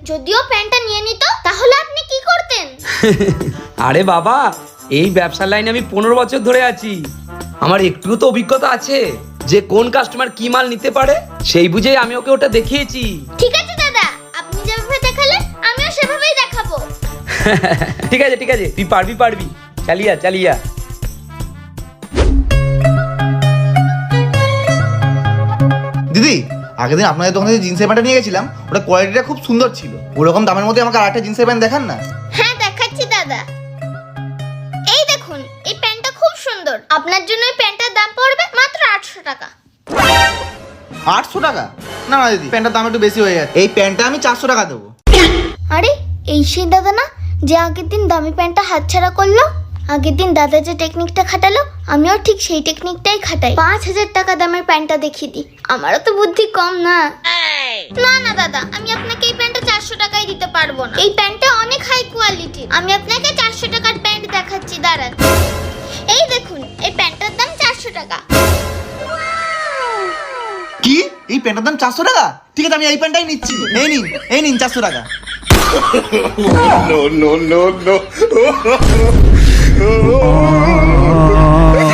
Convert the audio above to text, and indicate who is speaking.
Speaker 1: যদিও প্যান্টটা নিয়ে নিত তাহলে আপনি কি করতেন?
Speaker 2: আরে বাবা, এই ব্যবসার লাইনে আমি 15 বছর ধরে আছি। আমার একটু তো অভিজ্ঞতা আছে যে কোন কাস্টমার কি মাল নিতে পারে, সেই বুঝেই আমি ওকে ওটা দেখিয়েছি।
Speaker 1: ঠিক আছে দাদা, আপনি যেভাবে দেখালেন আমিও সেভাবেই দেখাবো।
Speaker 2: ঠিক আছে ঠিক আছে, তুই পারবি, চালিয়া চালিয়া।
Speaker 3: দিদি, আগের দিন আপনাদের দোকানে যে জিন্সের প্যান্টটা নিয়ে গেছিলাম, ওটা কোয়ালিটিটা খুব সুন্দর ছিল। ওরকম দামের মধ্যে আমাকে আরেকটা জিন্সের প্যান্ট দেখান না।
Speaker 1: হ্যাঁ দেখাচ্ছি দাদা, এই দেখুন এই প্যান্টটা খুব সুন্দর। আপনার জন্য এই প্যান্টটার দাম পড়বে মাত্র 800 টাকা।
Speaker 3: 800 টাকা? না না দিদি, প্যান্টটার দাম একটু বেশি হয়ে যাচ্ছে। এই প্যান্টটা আমি 400 টাকা দেবো।
Speaker 1: আরে এই সেই দাদা না যে আগের দিন দামি প্যান্টটা হাতছাড়া করলো? আগের দিন দাদা যে টেকনিকটা খাটালো আমিও ঠিক সেই টেকনিকটাই খাটাই। 5000 টাকা দামের প্যান্টটা দেখিয়ে দিই, আমারও তো বুদ্ধি কম না। না না দাদা, আমি আপনাকে এই প্যান্টটা 400 টাকায় দিতে পারবো না। এই প্যান্টটা অনেক হাই কোয়ালিটি। আমি আপনাকে 400 টাকার প্যান্ট দেখাচ্ছি, দাঁড়ান। এই দেখুন এই প্যান্টটার দাম 400 টাকা।
Speaker 3: কি? এই প্যান্টটার দাম 400 টাকা? ঠিক আছে, আমি এই প্যান্টটাই নিচ্ছি। এই নিন 400 টাকা।
Speaker 4: no, no, no, no.